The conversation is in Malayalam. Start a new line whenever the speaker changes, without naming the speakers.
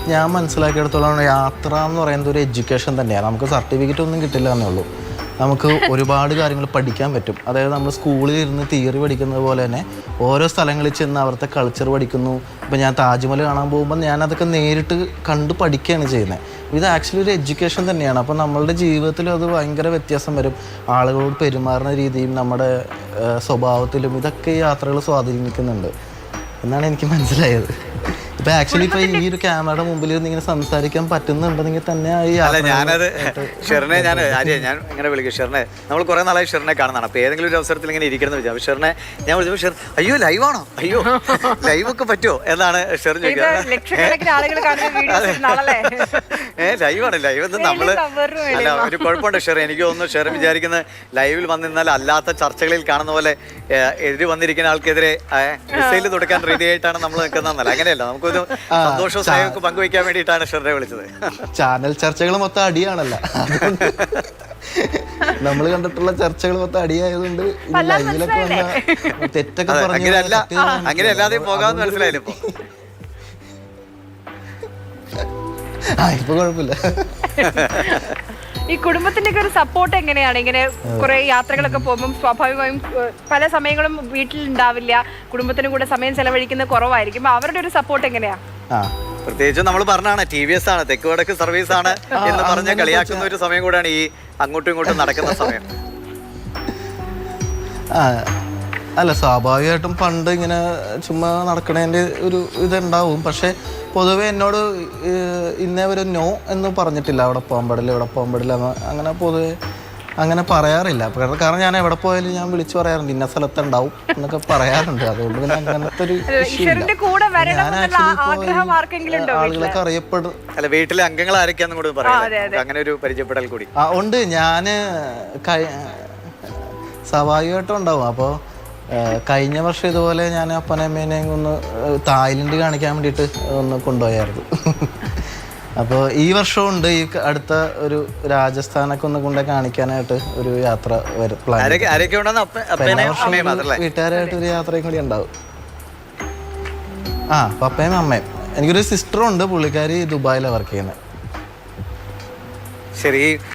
ഞാൻ മനസ്സിലാക്കിയെടുത്തോളം യാത്ര എന്ന് പറയുന്നത് ഒരു എഡ്യൂക്കേഷൻ തന്നെയാണ്. നമുക്ക് സർട്ടിഫിക്കറ്റ് ഒന്നും കിട്ടില്ല എന്നേ ഉള്ളൂ. നമുക്ക് ഒരുപാട് കാര്യങ്ങൾ പഠിക്കാൻ പറ്റും. അതായത് നമ്മൾ സ്കൂളിൽ ഇരുന്ന് തിയറി പഠിക്കുന്നത് പോലെ തന്നെ ഓരോ സ്ഥലങ്ങളിൽ ചെന്ന് അവിടുത്തെ കൾച്ചർ പഠിക്കുന്നു. ഇപ്പോൾ ഞാൻ താജ്മഹൽ കാണാൻ പോകുമ്പോൾ ഞാനതൊക്കെ നേരിട്ട് കണ്ട് പഠിക്കുകയാണ് ചെയ്യുന്നത്. ഇത് ആക്ച്വലി ഒരു എഡ്യൂക്കേഷൻ തന്നെയാണ്. അപ്പോൾ നമ്മളുടെ ജീവിതത്തിലും അത് ഭയങ്കര വ്യത്യാസം വരും. ആളുകളോട് പെരുമാറുന്ന രീതിയും നമ്മുടെ സ്വഭാവത്തിലും ഇതൊക്കെ ഈ യാത്രകൾ സ്വാധീനിക്കുന്നുണ്ട് എന്നാണ് എനിക്ക് മനസ്സിലായത്. ഇപ്പൊ ആക്ച്വലി ഇപ്പൊ ഈ ഒരു ക്യാമറയുടെ മുമ്പിൽ ഇങ്ങനെ സംസാരിക്കാൻ പറ്റുന്നുണ്ടെങ്കിൽ തന്നെ
ഞാനത് ഷെറിനെ ഞാൻ ഇങ്ങനെ വിളിക്കും. ഷെറിനെ നമ്മൾ കുറെ നാളായി ഷെറിനെ കാണുന്നതാണ്. അപ്പൊ ഏതെങ്കിലും ഒരു അവസരത്തിൽ ഇങ്ങനെ ഇരിക്കണം എന്ന് വിചാരിച്ചു. ഷെറിനെ ഞാൻ വിളിച്ചപ്പോൾ ഷെർ അയ്യോ ലൈവാണോ, അയ്യോ ലൈവൊക്കെ പറ്റുമോ എന്നാണ് ഷെർ ചോദിക്കുന്നത്. ലൈവാണ്, ലൈവ് എന്ന് നമ്മള് അല്ല ഒരു കുഴപ്പമുണ്ട് ഷെർ. എനിക്ക് തോന്നുന്നു ഷെർ വിചാരിക്കുന്നത് ലൈവിൽ വന്നിരുന്നാൽ അല്ലാത്ത ചർച്ചകളിൽ കാണുന്ന പോലെ എതിര് വന്നിരിക്കുന്ന ആൾക്കെതിരെ മിസൈൽ തുടക്കാൻ റെഡി ആയിട്ടാണ് നമ്മൾ നിൽക്കുന്നതെന്നല്ല. അങ്ങനെയല്ല, നമുക്കൊരു സന്തോഷവും സ്നേഹമൊക്കെ പങ്കുവയ്ക്കാൻ വേണ്ടിയിട്ടാണ് ഷെറിനെ വിളിച്ചത്. ചാനൽ
ചർച്ചകൾ മൊത്തം അടിയാണല്ല, നമ്മൾ കണ്ടിട്ടുള്ള ചർച്ചകൾ മൊത്തം അടിയായതുകൊണ്ട് ലൈവിലൊക്കെ വന്ന തെറ്റൊക്കെ
അങ്ങനെ അല്ലാതെ പോകാമെന്ന് മനസ്സിലായില്ല.
ഇപ്പൊ കുഴപ്പമില്ല.
ഈ കുടുംബത്തിന്റെ ഒക്കെ ഒരു സപ്പോർട്ട് എങ്ങനെയാണ്? ഇങ്ങനെ കുറെ യാത്രകളൊക്കെ പോകുമ്പോൾ സ്വാഭാവികമായും പല സമയങ്ങളും വീട്ടിൽ ഉണ്ടാവില്ല, കുടുംബത്തിനും കൂടെ സമയം ചെലവഴിക്കുന്നത് കുറവായിരിക്കും. അവരുടെ ഒരു സപ്പോർട്ട് എങ്ങനെയാ?
പ്രത്യേകിച്ച് നമ്മൾ പറഞ്ഞാണ് TVS ആണ്, തെക്ക് വടക്ക് സർവീസ് ആണ് എന്ന് പറഞ്ഞ് കളിയാക്കുന്ന ഒരു സമയം കൂടെയാണ് ഈ അങ്ങോട്ടും ഇങ്ങോട്ടും നടക്കുന്ന സമയം.
അല്ല, സ്വാഭാവികമായിട്ടും പണ്ട് ഇങ്ങനെ ചുമ്മാ നടക്കണതിൻ്റെ ഒരു ഇതുണ്ടാവും. പക്ഷെ പൊതുവെ എന്നോട് ഇന്നേ ഒരു നോ എന്ന് പറഞ്ഞിട്ടില്ല. അവിടെ പോകാൻ പാടില്ല, ഇവിടെ പോകാൻ പാടില്ല അങ്ങനെ പൊതുവെ അങ്ങനെ പറയാറില്ല. കാരണം ഞാൻ എവിടെ പോയാലും ഞാൻ വിളിച്ചു പറയാറുണ്ട് ഇന്ന സ്ഥലത്തുണ്ടാവും എന്നൊക്കെ പറയാറുണ്ട്. അതുകൊണ്ട് പിന്നെ അങ്ങനത്തെ ഒരു ആളുകളൊക്കെ അറിയപ്പെടും.
അല്ല, വീട്ടിലെ അംഗങ്ങൾ ആരൊക്കെയാന്നും കൂടി പറയാം, അങ്ങനെ ഒരു പരിചയപ്പെടൽ കൂടി
ഉണ്ട്. ഞാൻ സ്വാഭാവികമായിട്ടും ഉണ്ടാവും. അപ്പോൾ കഴിഞ്ഞ വർഷം ഇതുപോലെ ഞാൻ അപ്പനമ്മേനെയും ഒന്ന് തായ്ലൻഡ് കാണിക്കാൻ വേണ്ടിയിട്ട് ഒന്ന് കൊണ്ടുപോയായിരുന്നു. അപ്പോൾ ഈ വർഷവും ഉണ്ട്. ഈ അടുത്ത ഒരു രാജസ്ഥാനൊക്കെ ഒന്ന് കൊണ്ടു കാണിക്കാനായിട്ട് ഒരു യാത്ര പ്ലാൻ. വീട്ടുകാരായിട്ട് ഒരു യാത്രയും കൂടി ഉണ്ടാവും. പപ്പയും അമ്മയും. എനിക്കൊരു സിസ്റ്ററും ഉണ്ട്, പുള്ളിക്കാരി ദുബായിലാണ് വർക്ക് ചെയ്യുന്നത്.
ശരി.